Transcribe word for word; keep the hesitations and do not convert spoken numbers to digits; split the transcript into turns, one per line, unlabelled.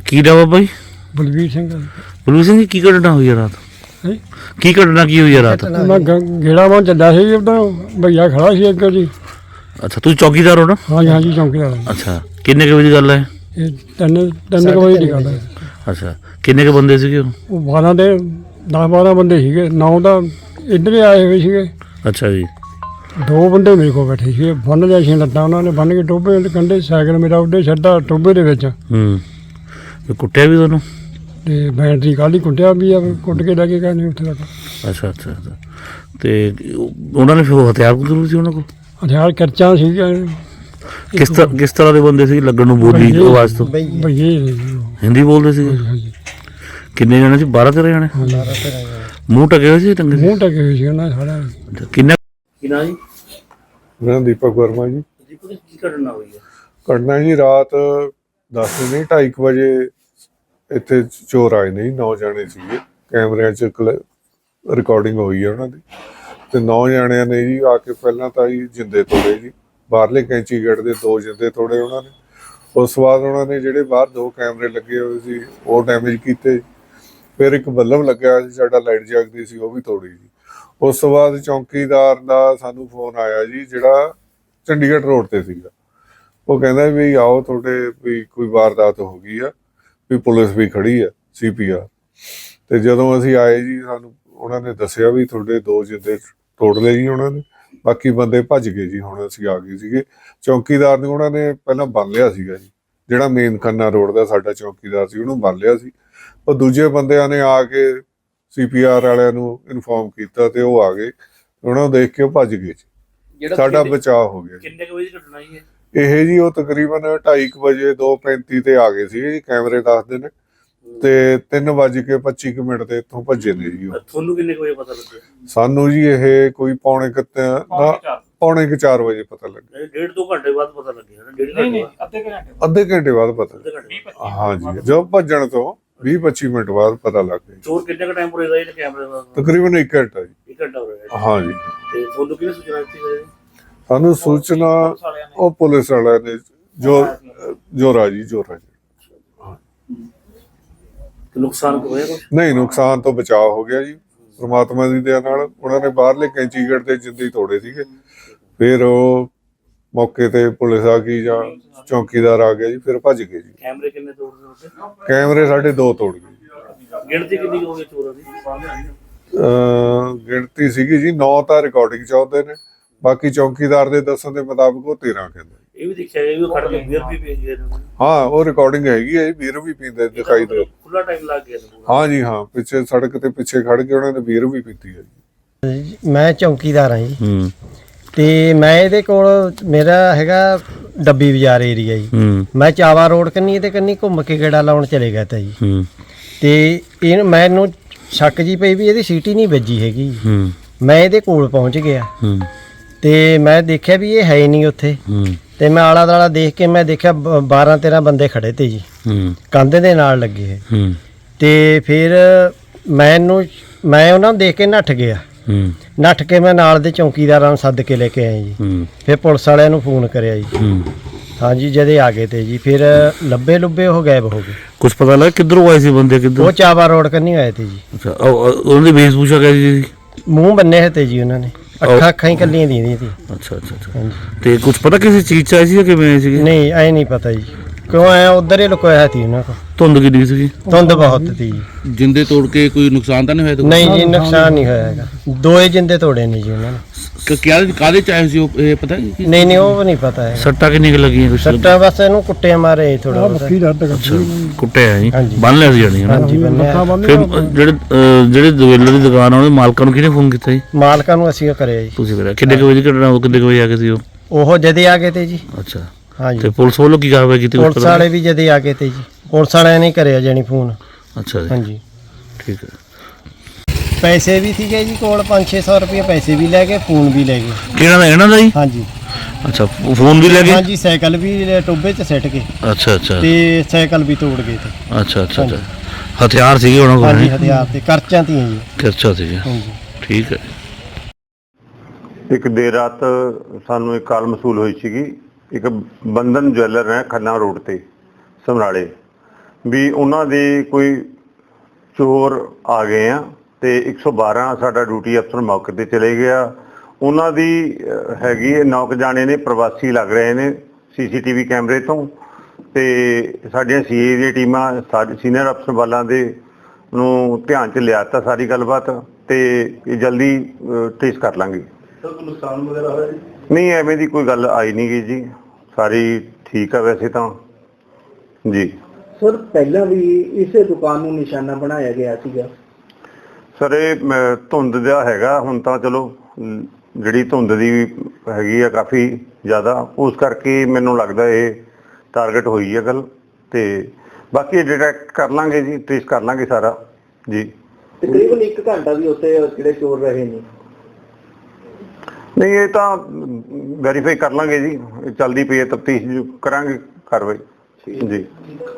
ਕੀ ਨਾਮ ਆ ਬਾਈ?
ਬਲਵੀਰ ਸਿੰਘ।
ਬਲਵੀਰ ਸਿੰਘ ਜੀ, ਕੀ ਘਟਨਾ ਹੋਈ ਆ ਰਾਤ? ਕੀ ਘਟਨਾ ਕੀ ਹੋਈ ਆ ਰਾਤ?
ਮੈਂ ਗੇੜਾ ਮਾਂ ਚੱਲਿਆ ਸੀ, ਉਦੋਂ ਭਈਆ ਖੜਾ ਸੀ ਅੱਗੇ ਜੀ।
ਅੱਛਾ, ਤੁਸੀਂ ਚੌਕੀਦਾਰ ਹੋ ਨਾ?
ਹਾਂਜੀ ਹਾਂਜੀ, ਚੌਂਕੀਦਾਰ।
ਅੱਛਾ, ਕਿੰਨੇ ਕੁ ਵਜੇ ਦੀ ਗੱਲ ਹੈ
ਇਹ ਤਿੰਨ ਤਿੰਨ ਕੁ ਵਜੇ ਦੀ ਗੱਲ ਹੈ।
ਅੱਛਾ, ਕਿੰਨੇ ਕੁ ਬੰਦੇ ਸੀਗੇ ਉਹ?
ਉਹ ਬਾਰਾਂ ਦੇ ਦਸ ਬਾਰਾਂ ਬੰਦੇ ਸੀਗੇ, ਨੌ ਤਾਂ ਇੱਧਰ ਹੀ ਆਏ ਹੋਏ ਸੀਗੇ।
ਅੱਛਾ ਜੀ।
ਦੋ ਬੰਦੇ ਮੇਰੇ ਕੋਲ ਬੈਠੇ ਸੀਗੇ, ਬੰਨ ਲਿਆ ਸੀ ਲੱਤਾਂ ਉਹਨਾਂ ਨੇ, ਬੰਨ ਕੇ ਟੋਭੇ ਦੇ ਕੰਢੇ ਸਾਈਕਲ ਮੇਰਾ ਉੱਡੇ ਛੱਡਾ ਟੋਭੇ ਦੇ ਵਿੱਚ।
ਹੂੰ, ਕੁੱਟਿਆ ਵੀ ਤੁਹਾਨੂੰ?
ਤੇ ਬੈਟਰੀ ਕਾਹਲੀ ਕੁੱਟਿਆ ਵੀ ਆ, ਕੁੱਟ ਕੇ ਲੈ ਕੇ ਗਏ ਨੇ ਉੱਥੇ ਤੱਕ।
ਅੱਛਾ ਅੱਛਾ ਅੱਛਾ। ਤੇ ਉਹਨਾਂ ਨੇ ਫਿਰ ਹਥਿਆਰ ਜ਼ਰੂਰ ਸੀ ਉਹਨਾਂ ਕੋਲ?
ਹਥਿਆਰ ਕਰਚਾਂ ਸੀਗੀਆਂ।
ਕਿਸ ਤਰ੍ਹਾਂ ਕਿਸ ਤਰ੍ਹਾਂ ਦੇ ਬੰਦੇ ਸੀ ਲੱਗਣ ਨੂੰ ਬੋਲੀ ਆਵਾਜ਼ ਤੋਂ?
ਭਈਏ
ਹਿੰਦੀ ਬੋਲਦੇ ਸੀ?
ਹਾਂਜੀ।
ਕਿੰਨੇ ਜਣੇ ਸੀ? ਬਾਰਾਂ ਤੇਰਾਂ ਜਣੇ? ਮੂੰਹ ਢਕੇ ਹੋਏ ਸੀ? ਟੰਗੇ
ਮੂੰਹ ਢਕੇ ਹੋਏ ਸੀ ਉਹਨਾਂ ਸਾਰਾ।
ਕਿੰਨਾ ਕੀ ਨਾਂ ਜੀ?
ਮੇਰਾ ਦੀਪਕ ਵਰਮਾ ਜੀ।
ਦੀਪਕ, ਕੀ ਘਟਨਾ ਹੋਈ ਹੈ?
ਘਟਨਾ ਜੀ ਰਾਤ ਦਸ ਨਹੀਂ ਢਾਈ ਕੁ ਵਜੇ ਇੱਥੇ ਚੋਰ ਆਏ ਨੇ ਜੀ। ਨੌ ਜਾਣੇ ਸੀਗੇ, ਕੈਮਰਿਆਂ 'ਚ ਰਿਕਾਰਡਿੰਗ ਹੋਈ ਹੈ ਉਹਨਾਂ ਦੀ। ਤੇ ਨੌ ਜਾਣਿਆਂ ਨੇ ਜੀ ਆ ਕੇ ਪਹਿਲਾਂ ਤਾਂ ਜੀ ਜਿੰਦੇ ਤੋੜੇ ਜੀ, ਬਾਹਰਲੇ ਕੈਂਚੀ ਗੇਟ ਦੇ ਦੋ ਜਿੰਦੇ ਤੋੜੇ ਉਹਨਾਂ ਨੇ। ਉਸ ਤੋਂ ਬਾਅਦ ਉਹਨਾਂ ਨੇ ਜਿਹੜੇ ਬਾਹਰ ਦੋ ਕੈਮਰੇ ਲੱਗੇ ਹੋਏ ਸੀ ਉਹ ਡੈਮੇਜ ਕੀਤੇ। ਫਿਰ ਇੱਕ ਬੱਲਬ ਲੱਗਿਆ ਹੋਇਆ ਸੀ ਸਾਡਾ, ਲਾਈਟ ਜਗਦੀ ਸੀ, ਉਹ ਵੀ ਤੋੜੀ ਜੀ। ਉਸ ਤੋਂ ਬਾਅਦ ਚੌਂਕੀਦਾਰ ਦਾ ਸਾਨੂੰ ਫੋਨ ਆਇਆ ਜੀ, ਜਿਹੜਾ ਚੰਡੀਗੜ੍ਹ ਰੋਡ ਤੇ ਸੀਗਾ। ਉਹ ਕਹਿੰਦਾ ਵੀ ਆਓ, ਤੁਹਾਡੇ ਵੀ ਕੋਈ ਵਾਰਦਾਤ ਹੋ ਗਈ ਆ, ਵੀ ਪੁਲਿਸ ਵੀ ਖੜੀ ਆ, ਸੀ ਪੀ ਆਰ। ਤੇ ਜਦੋਂ ਅਸੀਂ ਆਏ ਜੀ, ਸਾਨੂੰ ਉਹਨਾਂ ਨੇ ਦੱਸਿਆ ਵੀ ਤੁਹਾਡੇ ਦੋ ਜਿੰਦੇ ਤੋੜ ਲਏ ਜੀ ਉਹਨਾਂ ਨੇ, ਬਾਕੀ ਬੰਦੇ ਭੱਜ ਗਏ ਜੀ। ਹੁਣ ਅਸੀਂ ਆ ਗਏ ਸੀਗੇ। ਚੌਂਕੀਦਾਰ ਨੂੰ ਉਹਨਾਂ ਨੇ ਪਹਿਲਾਂ ਬੰਨ ਲਿਆ ਸੀਗਾ ਜੀ, ਜਿਹੜਾ ਮੇਨ ਖੰਨਾ ਰੋਡ ਦਾ ਸਾਡਾ ਚੌਂਕੀਦਾਰ ਸੀ, ਉਹਨੂੰ ਬੰਨ ਲਿਆ ਸੀ। ਉਹ ਦੂਜੇ ਬੰਦਿਆਂ ਨੇ ਆ ਕੇ ਸੀ ਪੀ ਆਰ ਵਾਲਿਆਂ ਨੂੰ ਇਨਫੋਰਮ ਕੀਤਾ ਤੇ ਉਹ ਆ ਗਏ, ਉਹਨਾਂ ਨੂੰ ਦੇਖ ਕੇ ਉਹ ਭੱਜ ਗਏ ਜੀ। ਸਾਡਾ ਬਚਾਅ ਹੋ ਗਿਆ।
ਕਿੰਨੇ ਕੁ ਵਜੇ ਦੀ ਘਟਨਾ ਜੀ
ਇਹ ਜੀ? ਉਹ ਤਕਰੀਬਨ ਢਾਈ ਕੁ ਵਜੇ ਦੋ ਪੈਂਤੀ ਤੇ ਆ ਗਏ ਸੀ ਜੀ, ਕੈਮਰੇ ਦੱਸਦੇ ਨੇ। ਤੇ ਤਿੰਨ ਵੱਜ ਕੇ ਪੱਚੀ ਕੁ ਮਿੰਟ ਤੇ ਇੱਥੋਂ ਭੱਜੇ ਨੇ ਜੀ ਉਹ।
ਤੁਹਾਨੂੰ ਕਿੰਨੇ ਕੁ ਵਜੇ ਪਤਾ ਲੱਗਿਆ?
ਸਾਨੂੰ ਜੀ ਇਹ ਕੋਈ ਪੌਣੇ ਕੁ ਪੌਣੇ ਕੁ ਚਾਰ ਵਜੇ ਪਤਾ ਲੱਗਿਆ।
ਡੇਢ ਦੋ ਘੰਟੇ ਬਾਅਦ ਪਤਾ ਲੱਗਿਆ? ਨਹੀਂ, ਅੱਧੇ ਘੰਟੇ
ਅੱਧੇ ਘੰਟੇ ਬਾਅਦ ਪਤਾ। ਹਾਂਜੀ, ਜਦੋਂ ਭੱਜਣ ਤੋਂ ਵੀਹ ਪੱਚੀ ਮਿੰਟ ਬਾਅਦ ਪਤਾ ਲੱਗ ਗਿਆ।
ਚੋਰ ਕਿੰਨੇ ਕ ਟਾਈਮ ਪੁਰੇ ਰਹੇ ਨੇ ਕੈਮਰੇ ਦਾ?
ਤਕਰੀਬਨ ਇੱਕ ਘੰਟਾ ਜੀ।
ਇੱਕ ਘੰਟਾ ਹੋ ਗਿਆ?
ਹਾਂਜੀ।
ਤੇ ਤੁਹਾਨੂੰ ਕਿਹਨੇ ਸੂਚਨਾ ਦਿੱਤੀ ਹੈ?
ਸਾਨੂੰ ਸੂਚਨਾ ਉਹ ਪੁਲਿਸ ਵਾਲਿਆਂ ਨੇ, ਜੋ ਜੋਰਾ ਜੀ ਜੋਰਾ ਜੀ।
ਨੁਕਸਾਨ ਹੋਇਆ ਕੁਛ?
ਨਹੀਂ, ਨੁਕਸਾਨ ਤੋਂ ਬਚਾਅ ਹੋ ਗਿਆ ਜੀ ਪ੍ਰਮਾਤਮਾ ਦੀ ਦਇਆ ਨਾਲ। ਉਹਨਾਂ ਨੇ ਬਾਹਰਲੇ ਕੈਂਚੀ ਗੇਟ ਤੇ ਜਿੰਦੇ ਤੋੜੇ ਸੀਗੇ। ਫਿਰ ਉਹ ਮੌਕੇ ਤੇ ਪੁਲਿਸ ਆ ਗਈ ਜਾਂ ਚੌਂਕੀਦਾਰ ਆ ਗਿਆ ਜੀ, ਫਿਰ ਭੱਜ ਗਏ ਜੀ।
ਕੈਮਰੇ ਕਿੰਨੇ ਤੋੜਦੇ ਉੱਤੇ?
ਕੈਮਰੇ ਸਾਡੇ ਦੋ ਤੋੜ ਗਏ।
ਗਿਣਤੀ ਕਿੰਨੀ ਹੋ ਗਈ ਚੋਰਾਂ ਦੀ?
ਅਹ ਗਿਣਤੀ ਸੀਗੀ ਜੀ ਨੌ ਤਾਂ ਰਿਕਾਰਡਿੰਗ ਚ ਆਉਂਦੇ ਨੇ, ਬਾਕੀ ਚੌਂਕੀਦਾਰ ਦੇ ਦੱਸਣ ਦੇ ਮੁਤਾਬਕ ਉਹ ਤੇਰਾਂ ਕਹਿੰਦੇ।
ਇਹ ਵੀ ਦੇਖਿਆ ਗਿਆ ਵੀ ਖੜ ਕੇ ਬੀਅਰ ਵੀ ਪੀ ਗਏ ਨੇ?
ਹਾਂ, ਉਹ ਰਿਕਾਰਡਿੰਗ ਹੈਗੀ ਹੈ ਜੀ, ਬੀਅਰ ਵੀ ਪੀਂਦੇ ਦਿਖਾਈ ਦੇ।
ਖੁੱਲਾ ਟਾਈਮ ਲੱਗ ਗਿਆ?
ਹਾਂ ਜੀ ਹਾਂ, ਪਿੱਛੇ ਸੜਕ ਤੇ ਪਿੱਛੇ ਖੜ ਕੇ ਉਹਨਾਂ ਨੇ ਬੀਅਰ ਵੀ ਪੀਤੀ ਹੈ ਜੀ।
ਮੈਂ ਚੌਂਕੀਦਾਰ ਹਾਂ ਜੀ।
ਹੂੰ।
ਤੇ ਮੈਂ ਇਹਦੇ ਕੋਲ, ਮੇਰਾ ਹੈਗਾ ਡੱਬੀ ਬਾਜ਼ਾਰ ਏਰੀਆ ਜੀ।
ਹੂੰ।
ਮੈਂ ਚਾਵਾ ਰੋਡ ਕੰਨੀ ਇਹਦੇ ਕੰਨੀ ਘੁੰਮ ਕੇ ਗੇੜਾ ਲਾਉਣ ਚਲੇ ਗਿਆ ਤਾ ਜੀ।
ਹੂੰ।
ਤੇ ਇਹ ਮੈਨੂੰ ਸ਼ੱਕ ਜੀ ਪਈ ਵੀ ਇਹਦੀ ਸੀਟੀ ਨਹੀਂ ਵੱਜੀ ਹੈਗੀ।
ਹੂੰ।
ਮੈਂ ਇਹਦੇ ਕੋਲ ਪਹੁੰਚ ਗਿਆ।
ਹੂੰ।
ਤੇ ਮੈਂ ਦੇਖਿਆ ਵੀ ਇਹ ਹੈ ਨਹੀਂ ਉੱਥੇ।
ਹੂੰ। ਤੇ
ਮੈਂ ਆਲਾ ਦਾਲਾ ਦੇਖ ਕੇ ਮੈਂ ਦੇਖਿਆ ਬਾਰਾਂ ਤੇਰਾਂ ਬੰਦੇ ਖੜੇ ਤੇ ਜੀ।
ਹੂੰ।
ਕੰਧ ਦੇ ਨਾਲ ਲੱਗੇ।
ਹੂੰ।
ਤੇ ਫਿਰ ਮੈਨੂੰ ਮੈਂ ਉਹਨਾਂ ਨੂੰ ਦੇਖ ਕੇ ਨੱਠ ਗਿਆ।
ਹੂੰ।
ਨੱਠ ਕੇ ਮੈਂ ਨਾਲ ਦੇ ਚੌਂਕੀਦਾਰਾਂ ਨੂੰ ਸੱਦ ਕੇ ਲੈ ਕੇ ਆਇਆ ਜੀ।
ਹੂੰ।
ਫਿਰ ਪੁਲਿਸ ਵਾਲਿਆਂ ਨੂੰ ਫੋਨ ਕਰਿਆ ਜੀ।
ਹੂੰ।
ਹਾਂਜੀ, ਜਦੇ ਆ ਗਏ ਤੇ ਜੀ। ਫਿਰ ਲੱਭੇ ਲੁੱਬੇ ਉਹ ਗਾਇਬ ਹੋ ਗਏ।
ਕੁਝ ਪਤਾ ਲੱਗਾ ਕਿੱਧਰੋਂ ਆਏ ਸੀ ਬੰਦੇ? ਕਿੱਧਰ? ਉਹ
ਚਾਵਾ ਰੋਡ ਕੰਨੀ ਆਏ ਤੇ ਜੀ।
ਅੱਛਾ, ਉਹਨਾਂ ਦੀ ਵੇਸ਼ਭੂਸ਼ਾ ਕਿਹਦੀ ਸੀ?
ਮੂੰਹ ਬੰਨੇ ਹੋਏ ਤੇ ਜੀ ਉਹਨਾਂ ਨੇ, ਅੱਖਾਂ ਅੱਖਾਂ ਹੀ ਕੱਲੀਆਂ ਦੀਆਂ ਸੀ।
ਅੱਛਾ ਅੱਛਾ ਅੱਛਾ। ਤੇ ਕੁਝ ਪਤਾ ਕਿਸੇ ਚੀਜ਼ ਚ ਆਏ ਸੀ ਜਾਂ ਕਿਵੇਂ ਆਏ ਸੀਗੇ?
ਨਹੀਂ, ਐ ਨਹੀਂ ਪਤਾ ਜੀ, ਕਿਉਂ ਆਇਆ ਉਧਰ ਹੀ ਲੁਕੋਇਆ ਸੀ ਉਹਨਾਂ ਕੋਲ।
ਧੁੰਦ ਕਿੰਨੀ ਸੀ?
ਧੁੰਦ ਬਹੁਤ ਸੀ।
ਜਿੰਦੇ ਤੋੜ ਕੇ ਕੋਈ ਨੁਕਸਾਨ ਤਾਂ ਨਹੀਂ ਹੋਇਆ?
ਨਹੀਂ ਜੀ, ਨੁਕਸਾਨ ਨਹੀਂ ਹੋਇਆ ਹੈਗਾ। ਦੋਏ ਜਿੰਦੇ ਤੋੜੇ ਨੇ ਜੀ ਉਹਨਾਂ ਨੇ।
ਕਿਆ ਕਾਹਦੇ ਚ ਆਏ ਸੀ ਉਹ, ਇਹ ਪਤਾ?
ਨਹੀਂ ਨਹੀਂ, ਉਹ ਨਹੀਂ ਪਤਾ ਹੈ।
ਸੱਟਾਂ ਕਿੰਨੀ ਕੁ ਲੱਗੀਆਂ? ਕੁਛ
ਸੱਟਾਂ ਬਸ ਇਹਨੂੰ ਕੁੱਟੇ ਮਾਰੇ ਥੋੜਾ ਬਹੁਤ।
ਕੁੱਟਿਆ ਜੀ? ਬੰਨ ਲਿਆ ਸੀ ਜਾਨੀ?
ਹਾਂਜੀ, ਬੰਨਿਆ।
ਫਿਰ ਜਿਹੜੇ ਜਿਹੜੇ ਦੁਕਾਨ ਦੀ ਦੁਕਾਨ ਆ ਉਹਦੇ ਮਾਲਕਾਂ ਨੂੰ ਕਿਹਨੇ ਫੋਨ ਕੀਤਾ ਜੀ?
ਮਾਲਕਾਂ ਨੂੰ ਅਸੀਂ ਕਰਿਆ ਜੀ।
ਤੁਸੀਂ ਕਰਿਆ? ਕਿੰਨੇ ਕੁ ਵਜੇ ਘਟਨਾ? ਉਹ ਕਿੰਨੇ ਕੁ ਵਜੇ ਆ ਗਏ ਸੀ ਉਹ?
ਉਹ ਜਦੇ ਆ ਗਏ ਤੇ ਜੀ।
ਅੱਛਾ।
ਹਾਂਜੀ।
ਤੇ ਪੁਲਿਸ ਵੱਲੋਂ ਕੀ ਕਾਰਵਾਈ ਕੀਤੀ?
ਪੁਲਿਸ ਵਾਲੇ ਵੀ ਜਦੇ ਆ ਗਏ ਤੇ ਜੀ। ਪੁਲਿਸ ਵਾਲਿਆਂ ਨੇ ਕਰਿਆ ਜਾਨੀ ਫੋਨ।
ਅੱਛਾ ਜੀ।
ਹਾਂਜੀ,
ਠੀਕ ਹੈ।
ਪੈਸੇ ਵੀ ਸੀਗੇ ਜੀ ਕੋਲ, ਪੰਜ ਛੇ ਸੌ ਰੁਪਏ ਪੈਸੇ ਵੀ ਲੈ ਗਏ, ਫੋਨ ਵੀ ਲੈ ਗਏ।
ਕਿਹਨਾਂ ਦਾ? ਇਹਨਾਂ ਦਾ ਜੀ?
ਹਾਂਜੀ।
ਅੱਛਾ, ਫੋਨ ਵੀ ਲੈ ਗਏ?
ਹਾਂਜੀ, ਸਾਈਕਲ ਵੀ ਟੋਬੇ 'ਚ ਸਿੱਟ ਗਏ।
ਅੱਛਾ ਅੱਛਾ।
ਤੇ ਸਾਈਕਲ ਵੀ ਤੋੜ ਗਏ ਤੇ।
ਅੱਛਾ ਅੱਛਾ ਅੱਛਾ। ਹਥਿਆਰ ਸੀਗੇ ਉਹਨਾਂ ਕੋਲ?
ਹਾਂਜੀ, ਹਥਿਆਰ ਤੇ ਕਰਚਾਂ ਤੀਆਂ ਜੀ।
ਕਰਚਾ ਸੀਗੇ?
ਹਾਂਜੀ।
ਠੀਕ ਹੈ।
ਇੱਕ ਦੇਰ ਰਾਤ ਸਾਨੂੰ ਇੱਕ ਕਾਲ ਮਸੂਲ ਹੋਈ ਸੀਗੀ। ਇੱਕ ਬੰਧਨ ਜਵੈਲਰ ਹੈ ਖੰਨਾ ਰੋਡ ਤੇ ਸਮਰਾਲੇ, ਵੀ ਉਹਨਾਂ ਦੇ ਕੋਈ ਚੋਰ ਆ ਗਏ ਆ ਤੇ ਇੱਕ ਸੌ ਬਾਰਾਂ ਸਾਡਾ ਡਿਊਟੀ ਅਫਸਰ ਮੌਕੇ ਤੇ ਚਲੇ ਗਿਆ। ਉਹਨਾਂ ਦੀ ਅਹ, ਹੈਗੀ ਹੈ ਨੌ ਕੁ ਜਾਣੇ ਨੇ ਪ੍ਰਵਾਸੀ ਲੱਗ ਰਹੇ ਨੇ ਸੀਸੀਟੀਵੀ ਕੈਮਰੇ ਤੋਂ, ਤੇ ਸਾਡੀਆਂ ਸੀਏ ਦੀਆਂ ਟੀਮਾਂ ਸਾਡੇ ਸੀਨੀਅਰ ਅਫਸਰ ਵਾਲਾਂ ਦੇ ਨੂੰ ਧਿਆਨ 'ਚ ਲਿਆ ਤਾ ਸਾਰੀ ਗੱਲਬਾਤ, ਤੇ ਇਹ ਜਲਦੀ ਟ੍ਰੇਸ ਕਰ ਲਾਂਗੇ।
ਸਰ ਕੋਈ ਨੁਕਸਾਨ ਵਗੈਰਾ ਹੋਇਆ ਜੀ?
ਨਹੀਂ, ਐਵੇਂ ਦੀ ਕੋਈ ਗੱਲ ਆਈ ਨਹੀਂ ਗਈ ਜੀ, ਸਾਰੀ ਠੀਕ ਆ ਵੈਸੇ ਤਾਂ ਜੀ।
ਸਰ ਪਹਿਲਾਂ ਵੀ ਇਸੇ ਦੁਕਾਨ ਨੂੰ ਨਿਸ਼ਾਨਾ ਬਣਾਇਆ ਗਿਆ ਸੀਗਾ।
ਸਰ ਇਹ ਮ, ਧੁੰਦ ਦਾ ਹੈਗਾ, ਹੁਣ ਤਾਂ ਚਲੋ ਅਮ, ਜਿਹੜੀ ਧੁੰਦ ਦੀ ਹੈਗੀ ਆ ਕਾਫੀ ਜ਼ਿਆਦਾ, ਉਸ ਕਰਕੇ ਮੈਨੂੰ ਲੱਗਦਾ ਇਹ ਟਾਰਗੇਟ ਹੋਈ ਹੈ ਗੱਲ, ਤੇ ਬਾਕੀ ਡਿਟੈਕਟ ਕਰ ਲਾਂਗੇ ਜੀ, ਟ੍ਰੇਸ ਕਰ ਲਾਂਗੇ ਸਾਰਾ ਜੀ।
ਤਕਰੀਬਨ ਇੱਕ ਘੰਟਾ ਵੀ ਉੱਥੇ ਜਿਹੜੇ ਚੋਰ ਰਹੇ ਨੇ।
ਨਹੀਂ, ਇਹ ਤਾਂ ਵੈਰੀਫਾਈ ਕਰ ਲਾਂਗੇ ਜੀ, ਚੱਲਦੀ ਪਈ ਹੈ ਤਫਤੀਸ਼, ਕਰਾਂਗੇ ਕਾਰਵਾਈ ਜੀ।